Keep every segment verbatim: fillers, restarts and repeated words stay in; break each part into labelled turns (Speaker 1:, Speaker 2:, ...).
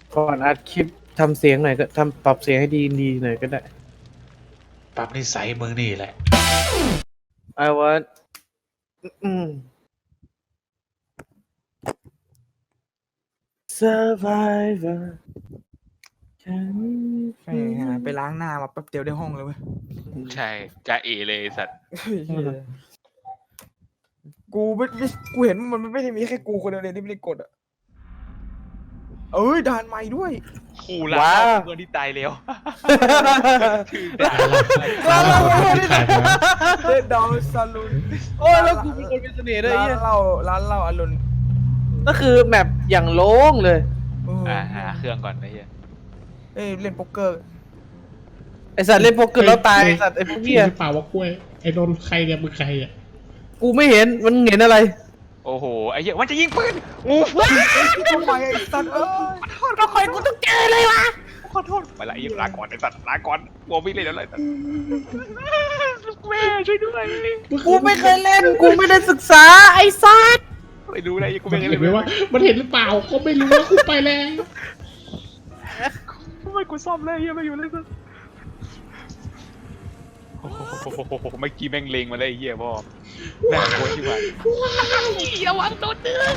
Speaker 1: ก่อนอัดคลิปทำเสียงหน่อยก็ทำปรับเสียงให้ดีดีหน่อยก็ได้
Speaker 2: ปรับนิสัยมึงนี่แหละ
Speaker 1: I want อืม Survivor
Speaker 3: แหมไปล้างหน้ามาแป๊บเดียวได้ห้องเลยเว้ย
Speaker 4: ใช่จ่าเอเลยไอ้สัตว์
Speaker 3: กูไม่ไม่กูเห็นมันไม่ได้มีแค่กูคนเดียวเลยที่ไม่ได้กดอ่ะเอ้ยด่านใหม่ด้วย
Speaker 4: ขู่ละ
Speaker 1: ว้าว
Speaker 4: เพื่อนที่ตายแล้ว
Speaker 3: ร้านเรา
Speaker 2: ที่ขายมา
Speaker 3: เดดดาวซาลูน
Speaker 1: โอ้ยแล้วกูเป็นคนมีเสน่ห์ด้วย
Speaker 3: ร้า
Speaker 1: ไอ้
Speaker 3: น
Speaker 1: เหี้ย
Speaker 3: เหล้าร้านเหล้าอรุณ
Speaker 1: ก็คือแมปอย่างโล่งเลย
Speaker 3: เออ
Speaker 4: อ่าหาเครื่องก่อนไอ้เหี้ย
Speaker 3: เอ้ยเล่นโป๊กเกอร์
Speaker 1: ไอสัตว์เล่นโป๊กเกอร์แล้วตายไอสัตว์ไอพวกเนี้ย
Speaker 2: หรือเปล่าว่ากล้วยไอ้โดนใครเนี่ยมึงใครอ่ะ
Speaker 1: กูไม่เห็นมันเห็นอะไร
Speaker 4: โอ้โหไอ้เหี้ยมันจะยิงปืนงู
Speaker 3: ทำไมไอ้สัตว์เอ้ย
Speaker 1: ก็คอยกูต้องเจอเลยวะ
Speaker 4: ขอโทษไปละไอ้เหี้ยลาก่อนไอ้สัตว์ลาก่อนกลัววิ่งเลยแล้วเลยแม่ช่วยด้วย
Speaker 1: กูไม่เคยเล่นกูไม่ได้ศึกษาไอสัตว์
Speaker 4: ไม่รู้เลยกู
Speaker 2: มั
Speaker 4: ไม่
Speaker 2: น
Speaker 4: เคย
Speaker 2: เห็
Speaker 4: เล่
Speaker 2: น
Speaker 4: น
Speaker 2: ไหมว่ามันเห็นหรือเปล่าก็ไม่รู้ว่ากูไปแล้ว
Speaker 4: ทำไมกูซ่อมเลยเหี้ยไม่อยู่เลยสัตว์โอ้โหเมื่อกี้แม่งเลงมาเลยไอ้เหี้ยพ่อแม่งโคตรที่ว่าระวังโดนเดือด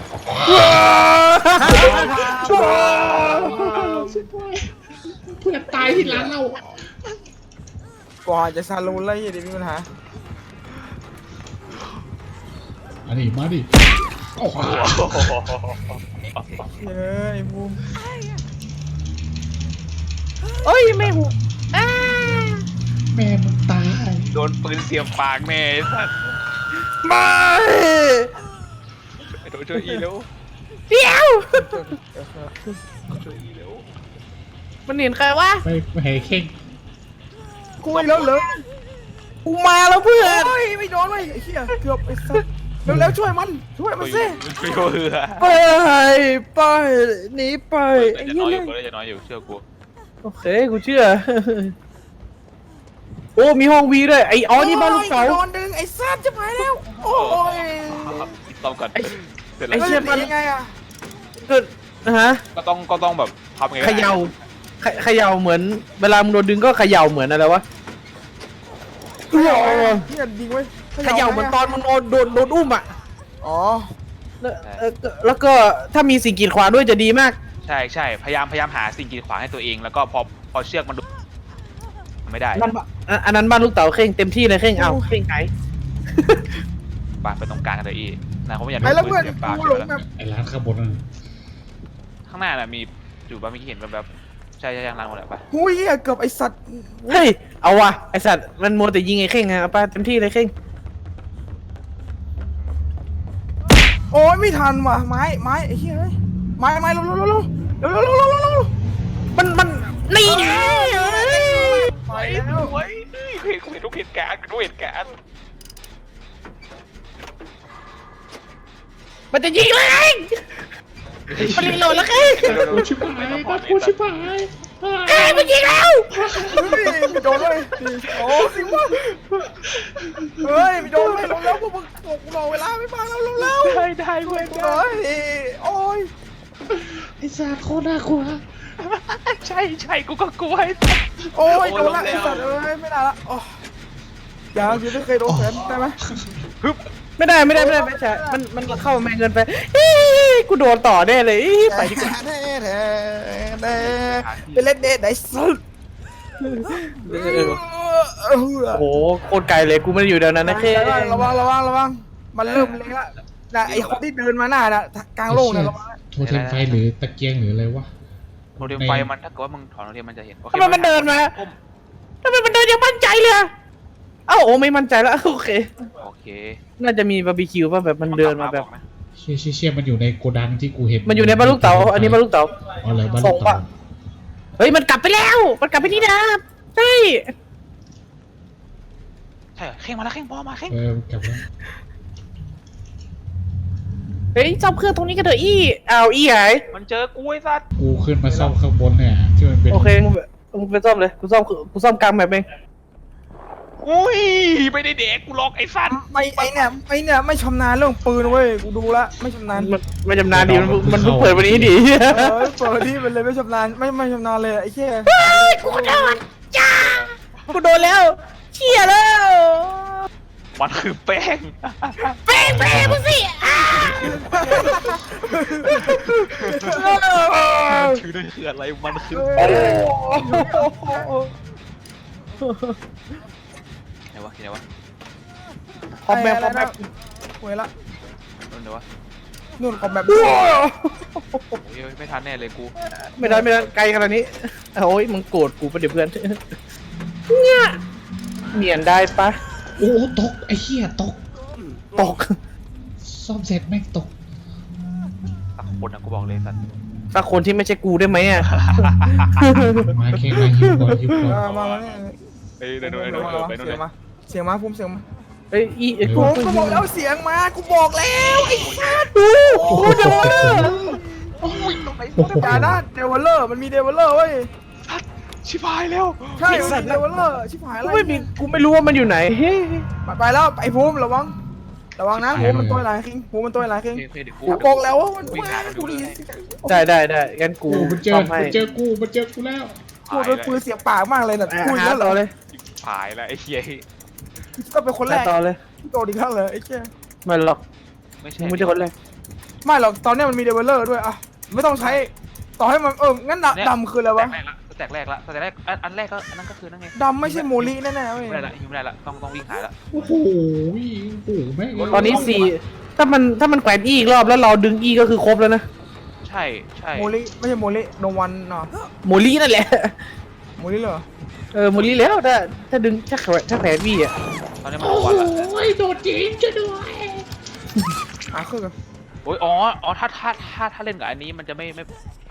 Speaker 2: เพื่อนตายที่ร้านเรา
Speaker 3: กว่าจะซาลูนแล้วยังมีปัญหา
Speaker 2: อันนี้มาดิโอ้โห
Speaker 3: เฮ้ยไอ้บูม
Speaker 1: เอ้ยไม่หูอ้า
Speaker 2: แม่มึงตาย
Speaker 4: โดนปืนเสียบปากแม่ไอ้สัตว์
Speaker 1: ไม่
Speaker 4: ไอ้โดนช่วยอีเร็ว
Speaker 1: เดี๋ยว
Speaker 4: ช่วยอีเร็ว
Speaker 1: มันเห็นใครวะ
Speaker 2: ไปไปให้เข่ง
Speaker 3: กูอีกแล้วเหรอ
Speaker 1: กูมาแล้วเพื่อน
Speaker 3: โอ้ยไม่โดนเลยไอ้เหี้ยเกือบไอ้สัตว์เร็วๆช่วยมันช่วยมันสิ
Speaker 4: ช่วยเรือ
Speaker 1: ไปไปหนีไป
Speaker 4: เปิ
Speaker 1: ไอ้
Speaker 4: ดจะ
Speaker 1: เหี้
Speaker 4: น้อย
Speaker 1: ย
Speaker 4: อยู่เปิดจะน้อยอยู่เชื่อกู
Speaker 1: โอเคกูเชื่อ โอ้มีห้องวีด้วยไอ้อ๋อนี่บ้านลูกเต๋า
Speaker 3: โดนดึงไอ้สัตว์จะไปแล้วโอ้ย
Speaker 4: ติดต้อมก่อนเสร็จแล้
Speaker 1: ไอ้
Speaker 4: ว
Speaker 1: เชี่ย
Speaker 3: มันยังไงอะ
Speaker 1: ก็นะฮะ
Speaker 4: ก็ต้องก็ต้องแบบทำไง
Speaker 1: เขย่าเขเขย่าเหมือน เวลามึงโดนดึงก็เขย่าเหมือนอะไรวะ
Speaker 3: เหี้ยเหี้ยดิงไว้
Speaker 1: เขย่าเหมือนตอนมึงโดนโดนโดนอุ้มอ่ะ
Speaker 3: อ๋อ
Speaker 1: แล้วเออแล้วก็ถ้ามีสิ่งกีดขวางด้วยจะดีมาก
Speaker 4: ใช่ใช่พยายามพยายามหาสิ่งกีดขวางให้ตัวเองแล้วก็พอพอเชือกมันดูไม่ได้
Speaker 1: นั่นปะอ่ะอันนั้นบ้านลูกเต๋าเข่งเต็มที่เลยเข่งเอาเข่งไง
Speaker 4: ปาไปตรงกลางกันเลยอีนะเขาไม่อยาก
Speaker 3: ไอ้แล้วเพื่อน
Speaker 4: สียบปาก
Speaker 3: กูหลงแบบ
Speaker 2: ไอ้ร้านข้างบนนั่น
Speaker 4: ข้างหน้าน่ะมีอยู่บ้านเมื่อกี้เห็นแบบแบบใช่ใช่ยังร้านหมดเลยปะ
Speaker 3: หูยเหี้ยเกือบไอ้สัตว์
Speaker 1: เฮ้ยเอาวะไอสัตว์มันมัวแต่ยิงไอ้เข่งอะเอาไปเต็มที่เลยเข่ง
Speaker 3: โอ้ยไม่ทันว่ะไม้ไม้ไอ้เหี้ยเฮ้ยไม้ไม้เร็วเร็วเร็วเร็วเร็วเร็วเร็วเร็วเร็วเร็ว
Speaker 1: มันมันนี่ไง
Speaker 3: ไปแล้ว
Speaker 4: เฮ้ยเห็นเห็นทุกเหตุการณ์ทุกเหตุการณ์
Speaker 1: มันจะยิงเลยไงมันรีโหลดแล้วเข่ง
Speaker 2: กูชิบหายนะกูชิบหาย
Speaker 1: เอ้ยมันยิงแล้ว
Speaker 3: เฮ้ยไม่โดนเลยโอ้สิวะเฮ้ยไม่โดนเลยเร็วเร็วพวกมึงบอกกูรอเวลาไม่มาแล้วเร็วเร็ว
Speaker 4: ได้ได้เว้ย
Speaker 3: เฮ้ยโอ้ย
Speaker 2: ไอ้สัตว์โคตรน่ากลัว
Speaker 4: ใช่ใช่กูก็กลัว
Speaker 3: โอ้ยโดนละไอ้สัตว์เอ้ยไม่ได้ละโอ้ยยังยังไม่เคยโดนแขนได้ไหม
Speaker 1: ไม่ได้ไม่ได้ไม่ได้ไม่ใช่มันมันเข้ามาเงินไปอี๋กูโดนต่อแน่เลยอี๋ไปดีกว่า
Speaker 3: แน่แน่แน่เป็นเล่นเดทไหนสุด
Speaker 1: โอ้โหโคตรไกลเลยกูไม่ได้อยู่เดี๋ยวนั้นนะเข่ง
Speaker 3: ระวังระวังระวังมันเริ่มเล็งละนะไอ้คนที่เดินมาหน้าน่ะกลางโลกน่ะระวัง
Speaker 2: โทรเทมไฟหรือตะเกียงหรืออะไรวะ
Speaker 4: โมเดลไฟมันถ้าเกิดว่ามึงถอนโมเดลมันจะเห็น
Speaker 1: ทำไมมันเดินมาทำไมมันเดินยังมั่นใจเลยอะเอ้าโอ้ไม่มั่นใจแล้วโอเค
Speaker 4: โอเค
Speaker 1: น่าจะมีบาร์บีคิวป่ะแบบมันเดินมาแบบ
Speaker 2: เชี่ยเชี่ยเชี่ยมันอยู่ในโกดังที่กูเห็น
Speaker 1: มันอยู่ในบ้านลูกเต๋าอันนี้บ้านลูกเต๋า
Speaker 2: อ๋อเหรอบ้าน
Speaker 1: ส่
Speaker 2: ลู
Speaker 1: ง
Speaker 2: ก
Speaker 1: ปะ
Speaker 2: เต๋า
Speaker 1: เฮ้ยมันกลับไปแล้ว มันกลับไปที่เดิมใช่
Speaker 4: ใช่เข่งมาแล้วเข่งพอมาเข่ง
Speaker 2: เออกลับแล้ว
Speaker 1: เฮ้ยซ่อมเครื่องตรงนี้กันเถอะอี้อ้าวอี้หาย
Speaker 4: มันเจอกูไอ้สัตว์
Speaker 2: กูขึ้นมาซ่อมข้างบนเนี่ยที่มันเป็น
Speaker 1: โอเคมึงมึงไปซ่อมเลยกูซ่อมกูซ่อมกลางแบบเอง
Speaker 4: อุ้ยไม่ได้เด็กกูล็อกไอ้สัตว์
Speaker 3: ไม่ไอเนี่ยไอเนี่ยไม่ชำนาญเรื่องปืนเว้ยกูดูละไม่ชำนาญ
Speaker 1: มันไม่จำนานดีมันมันเพิ่งเปิดวันนี้ดิ
Speaker 3: เออเปิดที่มันเลยไม่ชำนาญไม่ไม่ชำนาญเลยไอ้แค่
Speaker 1: กูโดนจ้ากูโดนแล้วเชี่ยแล้ว
Speaker 4: มันคือแป้ง
Speaker 1: แป้งแป้งมึงสิอ่า
Speaker 4: ชื่อนั่นคืออะไรมันคือ
Speaker 3: โอ้
Speaker 4: ไหนวะที่ไหนวะ
Speaker 1: คอมแบกคอมแบก
Speaker 3: หวยละ
Speaker 4: นู่นไหนวะ
Speaker 3: นู่นคอมแบบ
Speaker 4: โอ้ยไม่ทันแน่เลยกู
Speaker 1: ไม่ได้ไม่ได้ไกลขนาดนี้โอ้ยมึงโกรธกูปะเดี๋ยวเพื่อนเนี่ยเนียนได้ปะ
Speaker 2: โอ้โหตกไอ้เหี้ยตก
Speaker 1: ตก
Speaker 2: ซ่อมเสร็จแม่งตก
Speaker 4: สักคนนะกูบอกเลยสัตว์
Speaker 1: สักคนที่ไม่ใช่กูได้ไหมอ่ะ
Speaker 2: มาเคมาฮิวก่อนฮิวก่อน
Speaker 3: มามาเนี่ย
Speaker 4: เอ้ยเดี๋ยวเดี๋ยวเดี๋ยวไปนู่น
Speaker 3: เสี
Speaker 4: เลย ย
Speaker 3: งมาเสียงมาพุ่มเสียงมา
Speaker 1: เอ้ยอีไอ้
Speaker 3: กู
Speaker 1: กู
Speaker 3: ก็บอกแล้วเสียงมากูบอกแล้วไอ้สัส
Speaker 1: ดูกูเดวเลอร์
Speaker 2: โอ้โห
Speaker 3: อย่านะเดวลเลอร์มันมีเดวลเลอร์เว้ย
Speaker 4: สัตว์ชิบหายแล้ว
Speaker 3: ใช่มันมีเดวลเลอร์ชิบหาย
Speaker 1: กู
Speaker 3: แล้ว
Speaker 1: ไม่มีกูไม่รู้ว่ามันอยู่ไหนเฮ้ย
Speaker 3: ไปแล้วไอ้ภูมิระวังระวังนะภูมิมันตัวไหนคิงภูมิมันตัวไหนคิง
Speaker 4: เฮ้ยเดี๋ยวกู
Speaker 3: กูบอกแล้วว่ามัน
Speaker 4: วิ่งหากันดู
Speaker 3: กู
Speaker 4: เล
Speaker 3: ดี
Speaker 4: ย
Speaker 1: ได้ได้ได้งั้นกู
Speaker 2: กูมันเจอ
Speaker 1: ซ่อมให้
Speaker 2: มันเจอกูมันเจอกูแล้ว
Speaker 3: กูโดนปืนเสียบปากมากเลยน่ะ
Speaker 1: อ่ะ
Speaker 3: พูด
Speaker 1: หา
Speaker 3: แล้วเหร
Speaker 1: ต่
Speaker 3: อ
Speaker 1: อเลย
Speaker 4: หายแล้วไอ้เหี้ย
Speaker 3: ก็เป็นคนแร
Speaker 1: หาก ต่อเลย
Speaker 3: โดนอีกครั้งเลยไอ้เชี่ย
Speaker 1: ไม่หรอก
Speaker 4: ไม่ใช่
Speaker 1: มึงไม่ใช่คนแรก
Speaker 3: ไม่หรอกตอนนี้มันมีเดเวลเลอร์ด้วยอ่ะไม่ต้องใช้ต่อให้มันเอองั้นดำคืออะไรวะ
Speaker 4: แตกแรกละแตกแรกละอันแรกก็อันนั้นก็คือนั่นไง
Speaker 3: ดำไม่ใช่โมลิแน่ๆเว้ย
Speaker 4: ไม่ได้ละยิงไม่ได้ละต้องต้องวิ่งหายละ
Speaker 2: โอ้โหโอ้โหแม่ง
Speaker 1: ตอนนี้สี่ถ้ามันถ้ามันแขวนอีกรอบแล้วเราดึงอีก็คือครบแล้วนะ
Speaker 4: ใช่ใช่
Speaker 3: โมลิไม่ใช่โมลิโนวันเนาะ
Speaker 1: โมลี่นั่นแหละ
Speaker 3: โมลิเหรอ
Speaker 1: เออโมลี่แล้วถ้าถ้าดึงถ้าแขวนถ้าแขวนวีอ่ะ
Speaker 4: ตอนนี้มัน
Speaker 2: โอ้
Speaker 4: ลง
Speaker 2: โห
Speaker 4: วันละ
Speaker 2: โดดจริงจะด้วย
Speaker 3: อ่ะคือกัน
Speaker 4: โอ้ยอ๋ออ๋อถ้าถ้าถ้าถ้าเล่นกับอันนี้มันจะไม่ไม่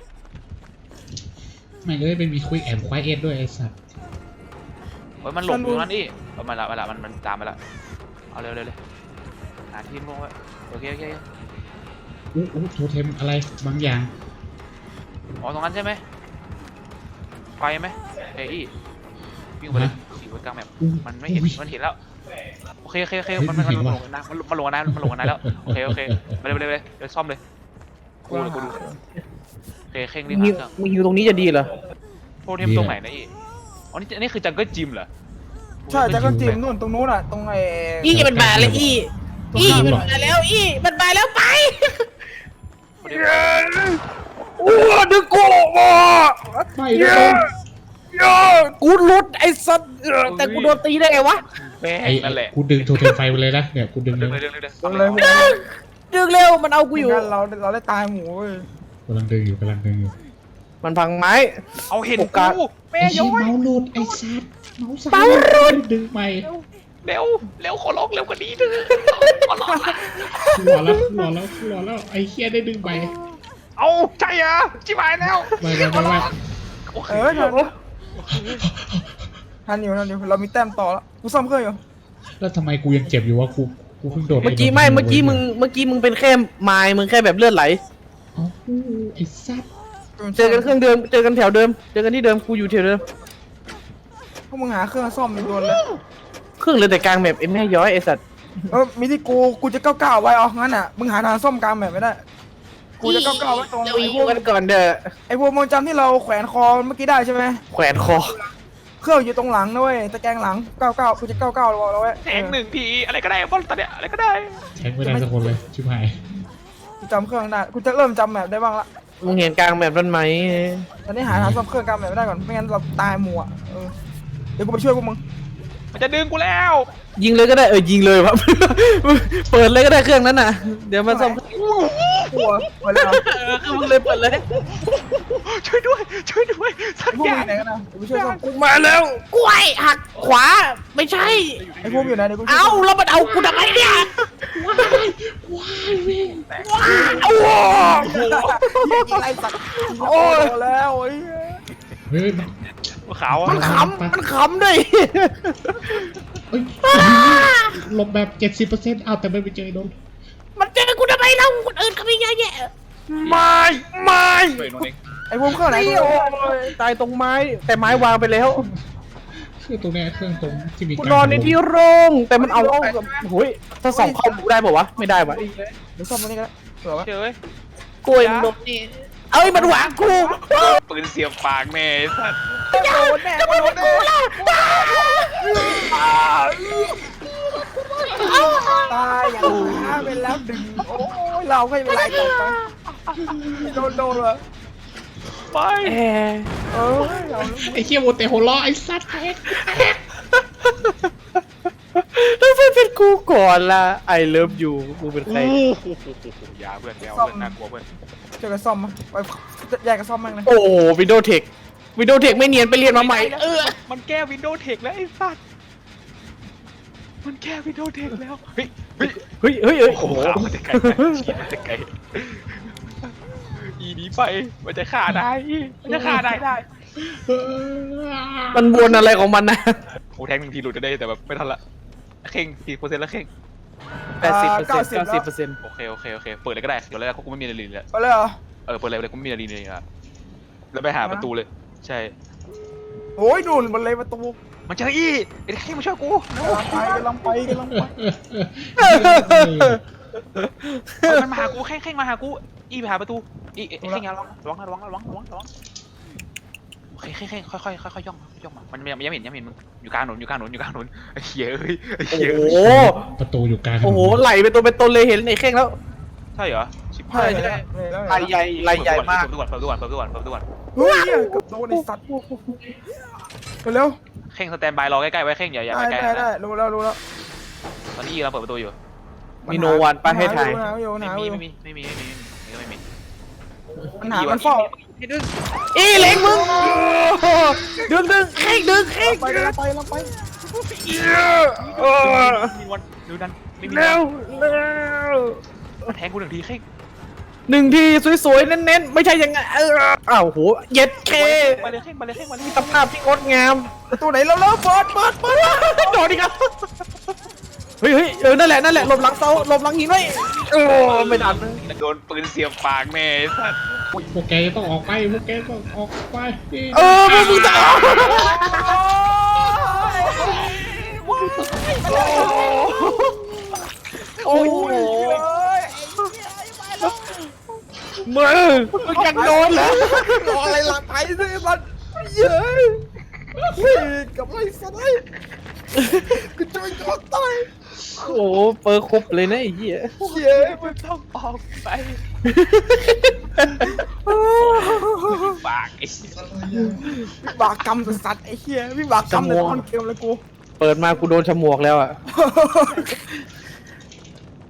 Speaker 2: ไม่เลยเป็นมีคุยแอมควายเอ็ดด้วยไอ้สัตว์
Speaker 4: โอ้ยมันหลบอยู่นั่นนี่เอามาละมาละมันมันตามมาละเอาเร็วเร็วเลยหาทีมลงไว้โอเคโอเค
Speaker 2: อู้อู้โทเทมอะไรบางอย่าง
Speaker 4: อ๋อตรงนั้นใช่ไหมไฟไหมเฮ้ยวิ่งไปเลยขี่ไว้กลางแมป
Speaker 2: อู้
Speaker 4: มันไม่เห็นมันเห็นแล้วโอเคโอเคโอเคมันมันมันลงนะมันมันลงนะมันลงนะแล้วโอเคโอเคไปเลยไปเลยไปเลยเดี๋ยวซ่อมเลยกูเลยกูดูโอเคเข่ง
Speaker 1: มึ
Speaker 4: รี
Speaker 1: ง
Speaker 4: บ
Speaker 1: ฮิ
Speaker 4: หาว เครื่อง
Speaker 1: มึงฮิวตรงนี้จะดีเหรอ
Speaker 4: โทเทมตรงไหนนะอีอ๋อนี่อันนี้คือจังเกิลจิมเหรอ
Speaker 3: ใช่จากกันจีมนู่นตรงนู้นอ่ะตรงไอ้
Speaker 1: อีมันมาแล้วอีอีมันมาแล้วอีมันมาแล้วไปโอ้ดึงกูมา
Speaker 2: ไม่ได้
Speaker 1: กูหลุดไอ้สัตว์แต่กูโดนตีได้ไงวะ
Speaker 4: แม่ง
Speaker 2: ไอ้
Speaker 4: นั่นแหละ
Speaker 2: กูดึงโทเทมไฟไปเลยนะเนี่ยกูดึงเล
Speaker 4: เรื่
Speaker 2: ย
Speaker 4: อยเรื่อยเรื่อย
Speaker 3: ตรงเลยพวก
Speaker 1: ดึงดึงเร็วมันเอากูอยู่
Speaker 3: งั้นเราเราได้ตายหมูเว้ย
Speaker 2: กำลังดึงอยู่กำลังดึงอยู่
Speaker 1: มันพังไม้
Speaker 4: เอาเห็น
Speaker 1: โอกาส
Speaker 4: กู
Speaker 2: ไอ้เหี้ยเมาส์หลุดไอ้สัตว์เมาส์สั่น
Speaker 1: เมาส์หลุด
Speaker 2: ดึงไป
Speaker 4: เร็วเร็วขอร้องเร็วกว่านี้เถอะขอร้องละ
Speaker 2: หัวแล้วหัวแล้วหัวแล้วไอ้เหี้ยได้ดึงไป
Speaker 4: เอาใช่อะจิบหายแล้ว
Speaker 2: ไม่ไม่ไม่ไม่
Speaker 4: โอเค
Speaker 3: เออทันทันอยู่ทันอยู่เรามีแต้มต่อแล้วกูซ่อมเครื่องอยู่
Speaker 2: แล้วทำไมกูยังเจ็บอยู่วะกูกูเพิ่งโดด
Speaker 1: เมื่อกี้ไม่เมื่อกี้มึงเมื่อกี้มึงเป็นแค่ไม้มึงแค่แบบเลือดไหล
Speaker 2: เอ้าไอ้สัตว์
Speaker 1: เจอกันเครื่องเดิมเจอกันแถวเดิมเจอกันที่เดิมกูอยู่แถวเดิม
Speaker 3: พวกมึงหาเครื่องซ่อมมีโดนเลย
Speaker 1: เครื่องเหลยแต่กลางแมปไอ้แม่ย้อยไอ้สัตว์
Speaker 3: เออมีที่กูกูจะก้าวก้าวไว้เอางั้นอ่ะมึงหาทางซ่อมกลางแบบไม่ได้กูจะก้าวก้าวไว้ตรง
Speaker 1: เรา
Speaker 3: ไอ้
Speaker 1: อี
Speaker 3: พวก
Speaker 1: กันก่อนเด้อ
Speaker 3: ไอ้พวกมึงจำที่เราแขวนคอเมื่อกี้ได้ใช่ไหม
Speaker 1: แขวนคอ
Speaker 3: เครื่องอยู่ตรงหลังนะเว้ยตะแกรงหลังก้าวก้าวกูจะก้าวก้าวเราเราไว้
Speaker 4: แทงหนึ่งทีอะไรก็ได้บอลตอนเนี้ยอะไรก็ได้
Speaker 2: แทงไม่ได้สักคนเลยชิบหาย
Speaker 3: กูจำเครื่องได้กูจะเริ่มจำแบบได้บ้างละ
Speaker 1: มึงเห็นกลางแมปนั้นไหม
Speaker 3: ตอนนี้หาทางซ่อมเครื่องกลางแบบไม่ได้ก่อนไม่งั้นเราตายหมู่อ่ะเออเดี๋ยวกูไปช่วยพวกมึง
Speaker 4: มันจะดึงกูแล้ว
Speaker 1: ยิงเลยก็ได้เออยิงเลยวะ เปิดเลยก็ได้เครื่องนั้นน่ะเดี๋ยวมาซ่อม
Speaker 3: กลัวไปเลยเหรอ
Speaker 1: เออคือมึงเลยเปิดเลย
Speaker 4: ช่วยด้วยช่วยด้วยสัก
Speaker 3: ไอ้พวก
Speaker 4: อ
Speaker 3: มึ
Speaker 4: ย่าง ง
Speaker 3: ไหนกันนะเดี๋ยวกูช่วยซ่อม
Speaker 1: กูมาแล้วกล้วยหักขวาไม่ใช่
Speaker 3: ไอ้พวกอยู่ไหนเดี๋ยวกูช่วย
Speaker 1: เอ้าแล้วมันเอากูทำไมเนี่ย
Speaker 2: ว้ายว้ายเว้ย
Speaker 1: ว้าวโอ้โห
Speaker 3: ไล่สัตว์โอ้ยแล้วไอ้
Speaker 2: เฮ้ยมัน
Speaker 4: ขาว
Speaker 1: มัน
Speaker 4: อะ
Speaker 1: ขำมันขำด้วย
Speaker 2: เอ้ยหลบแบบเจ็ดสิบเปอร์เซ็นต์เอาแต่ไม่ไปเจอโดน
Speaker 1: มันเจอกูทำไมเล่าคนอื่นเขาไม่เยอะแยะ
Speaker 3: ไม่ไม่
Speaker 4: ช่วยน้องเอง
Speaker 3: ไอ้พวกเครื่องไหน
Speaker 1: ไอ้โอ้ยตายตรงไม้แต่ไม้วางไปแล้ว
Speaker 2: ไคือตรงเนี้ยเครื่องตรงที่มี
Speaker 1: กู
Speaker 2: การ
Speaker 1: นอนในที่โล่งแต่มันเอาโอ้ยถ้าส่องเข้ากูได้ป่าวะไม่ได้วะ
Speaker 3: เดี๋ยวซ่อมตรงนี้ก็ได้เผื่อวะ
Speaker 4: เจอเว้ย
Speaker 1: กูเองโดนนี่เอ้ยมันหวางกู
Speaker 4: ปืนเสียบปากแม่ไอ้สัตว์
Speaker 3: โดนแน่โดนแน่ตายอย่างนี้ไปแล้วดึงโอ้ยเราไม่เป็นไรต่อไปโดนโดนเลย
Speaker 4: ไป
Speaker 1: แอร์
Speaker 3: เออเรา
Speaker 2: ไอ้เคี้ยวโมเตโฮล้อไอ้สัตว์
Speaker 1: แล้วไม่เป็นกูก่อนล่ะ I love you กูเป็นใคร
Speaker 4: อย่าเพื่อนอย่าเพื่อนน่ากลัวเพื่อน
Speaker 3: เจอกันซ่อมมั้ยไปแยกกันซ่อมมั้งนะ
Speaker 1: โอ้วิดีโอเทควิดีโอเทคไม่เนียนไปเรียนมาใหม่เออ
Speaker 4: มันแก้วินโดว์เทคแล้วไอ้สัตว์มันแก้วินโดว์เทคแล้วเฮ้ยเฮ้ย
Speaker 1: เฮ้ยเฮ้ยเฮ้ย
Speaker 4: โอ้
Speaker 1: โอ้
Speaker 4: โห
Speaker 1: โห
Speaker 4: มันจะไกลมันจะไกลอีนี้ไปมันจะฆ่าได้มันจะฆ่าได้ได้
Speaker 1: มันวนอะไรของมันนะ
Speaker 4: โอ้แทงหนึ่งทีหลุดจะได้แต่แบบไม่ทันละเข่งกี่เปอร์เซ็นต์ละเข่ง
Speaker 1: แปดสิบเปอร์เซ็นต์เก้าสิบเปอร์เซ็นต์
Speaker 4: โอเคโอเคโอเคเปิดเลยก็ได้เดี๋ยวเลยกูไม่มีอะไรเลย
Speaker 3: ไปเลยเหรอ
Speaker 4: เออเปิดเลยเลยกูไม่มีอะไรเลยอ่ะแล้วไปหาประตูเลยใช่
Speaker 3: โอ้ยนู่นมันเลยประตู
Speaker 4: มันเจออีไอ้เข่งมาช่วยกู
Speaker 3: กำลังไปกำลังไปกำลังไป
Speaker 4: มันมาหากูเข่งเข่งมาหากูอีไปหาประตูอีเข่งอย่าระวังระวังระวังระวังระวังระวังโอเคเข่งเข่งค่อยค่อยค่อยค่อยย่องย่องมามันยังยังเห็นยังเห็นมึงอยู่กลางถนนอยู่กลางถนนอยู่กลางถนนไอ้เหี้ยเอ้ยไอ้
Speaker 1: โอ้
Speaker 4: เหี้ย
Speaker 1: โห
Speaker 2: ประตูอยู่กลางถนน
Speaker 1: โอ้โหไหลเป็นตัวเป็นตนเลยเห็นไอ้เข่งแล้ว
Speaker 4: ใช่เหรอชิบ
Speaker 3: ใช่
Speaker 4: หาย
Speaker 3: ใช่
Speaker 1: ไหลใหญ่ไหลใหญ่มาก
Speaker 4: เปิดตู้ก่อนเปิดตู้ก่อนเปิดตู้ก่อนเปิดตู้ก่อน
Speaker 3: เฮ้ยกับโดนไอ้สัตว์เร็ว
Speaker 4: เข่งสแตนบายรอใกล้ๆไว้เข่งอย่าอย่า
Speaker 3: ได้
Speaker 4: ไปใกล้
Speaker 3: ได้ได้รู้แล้วรู้แล้ว
Speaker 4: ตอนนี้อีเราเปิดประตูอยู่
Speaker 1: มีโนวันป้าให้ถ่าย
Speaker 3: หาอยู่
Speaker 4: ไม่
Speaker 3: หา
Speaker 4: มี
Speaker 3: อยู่
Speaker 4: ไม่มีไม่มีไม่มีไม่มี
Speaker 3: มันหามันเฝ้า
Speaker 1: อีเล็กมึงดึงดึงเข่งดึงเข่ง
Speaker 3: ไปกำลังไปกำลังไป
Speaker 1: เออ
Speaker 4: มีวันดูนั้นไม่มี
Speaker 1: เร็วเร็ว
Speaker 4: แทงกูหนึ่งทีเข่ง
Speaker 1: หนึ่งทีสวยๆเน้นๆไม่ใช่ยังไงเอออ้าวโหเย็ดเค
Speaker 4: ไปเลยเข่งไปเลยเข่งไปเลย
Speaker 1: สภาพที่งดงาม
Speaker 3: ประตูไหนแล้วแล้วเปิดเปิดเปิด
Speaker 1: โดดอีกแล้วเฮ้ยเฮ้ยเออนั่นแหละนั่นแหละหลบหลังเสาหลบหลังหินไว้โอ้ไม่ทัน
Speaker 4: โดนปืนเสียบปากแม่สัตว์
Speaker 2: พวกแกต้องออกไปพวกแกต้องออกไป
Speaker 1: เออมึงจะโอ้โหมึงมึงยังโดนเหรอ
Speaker 3: รออะไรหลังไปสิมันเย้ยกับไรสัตว์กูจะไปโดนตาย
Speaker 1: โอ้โหเปิดครบเลยนะไอ้เหี้ย
Speaker 3: เย้ย
Speaker 4: มันต้องออกไปปากไอ้
Speaker 3: วิบากกรรมสัตว์ไอ้เหี้ยวิบากกรรมในตอนเกมเลยกู
Speaker 1: เปิดมากูโดนฉมวกแล้วอ่ะ